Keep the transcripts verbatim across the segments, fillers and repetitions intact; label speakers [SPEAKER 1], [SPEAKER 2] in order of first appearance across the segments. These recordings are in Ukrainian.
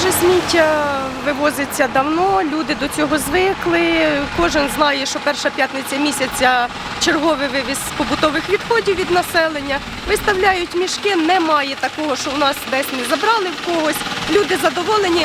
[SPEAKER 1] Вже сміття вивозиться давно, люди до цього звикли. Кожен знає, що перша п'ятниця місяця черговий вивіз побутових відходів від населення. Виставляють мішки, немає такого, що у нас десь не забрали в когось. Люди задоволені.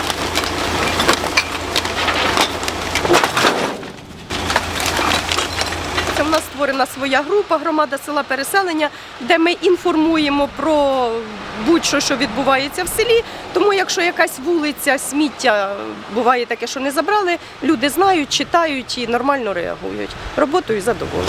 [SPEAKER 1] У нас створена своя група «Громада села Переселення», де ми інформуємо про будь-що, що відбувається в селі. Тому якщо якась вулиця, сміття, буває таке, що не забрали, люди знають, читають і нормально реагують. Роботою задоволені.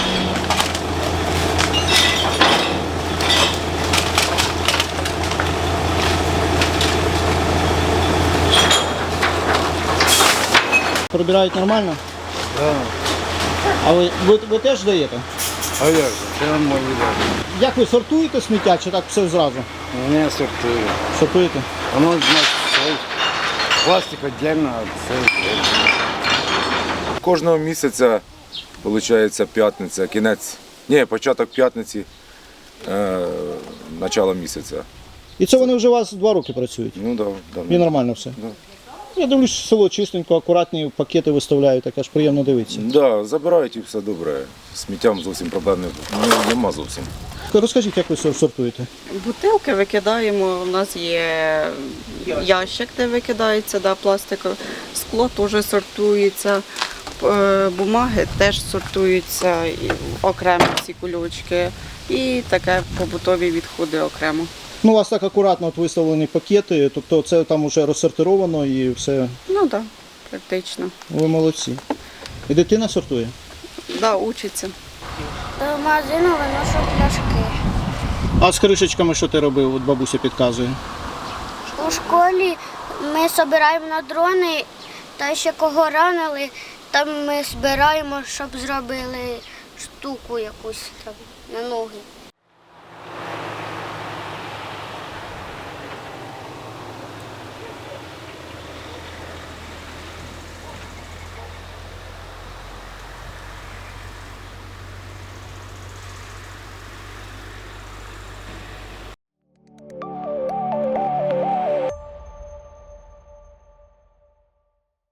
[SPEAKER 2] Прибирають нормально?
[SPEAKER 3] Так.
[SPEAKER 2] А ви, ви, ви теж даєте?
[SPEAKER 3] А як же? Це мої люди.
[SPEAKER 2] Як ви сортуєте сміття чи так все зразу?
[SPEAKER 3] Не сортую.
[SPEAKER 2] Сортуєте?
[SPEAKER 3] Воно, значить, цей пластик віддільно, а це віддільно.
[SPEAKER 4] Кожного місяця, виходить, п'ятниця, кінець, ні, початок п'ятниці, е, начало місяця.
[SPEAKER 2] І це вони вже у вас два роки працюють?
[SPEAKER 4] Ну так, да,
[SPEAKER 2] І
[SPEAKER 4] да.
[SPEAKER 2] нормально все?
[SPEAKER 4] Да.
[SPEAKER 2] Я дивлюсь, село чистенько, акуратні пакети виставляють, так аж приємно дивитися.
[SPEAKER 4] Да, забирають і все добре. З сміттям зовсім проблем не- ну, нема зовсім.
[SPEAKER 2] Розкажіть, як ви сор- сортуєте?
[SPEAKER 5] Бутилки викидаємо, у нас є ящик, де викидається, да, пластикове. Скло теж сортується, е, бумаги теж сортуються, і окремо ці кульочки. І таке побутові відходи окремо.
[SPEAKER 2] Ну, у вас так акуратно от виставлені пакети, тобто це там вже розсортировано і все.
[SPEAKER 5] Ну так, да, практично.
[SPEAKER 2] Ви молодці. І дитина сортує?
[SPEAKER 5] Да, учиться.
[SPEAKER 6] До магазину виношу пляшки.
[SPEAKER 2] А з кришечками що ти робив? От бабуся підказує.
[SPEAKER 6] У школі ми збираємо на дрони, та ще кого ранили, там ми збираємо, щоб зробили штуку якусь там на ноги.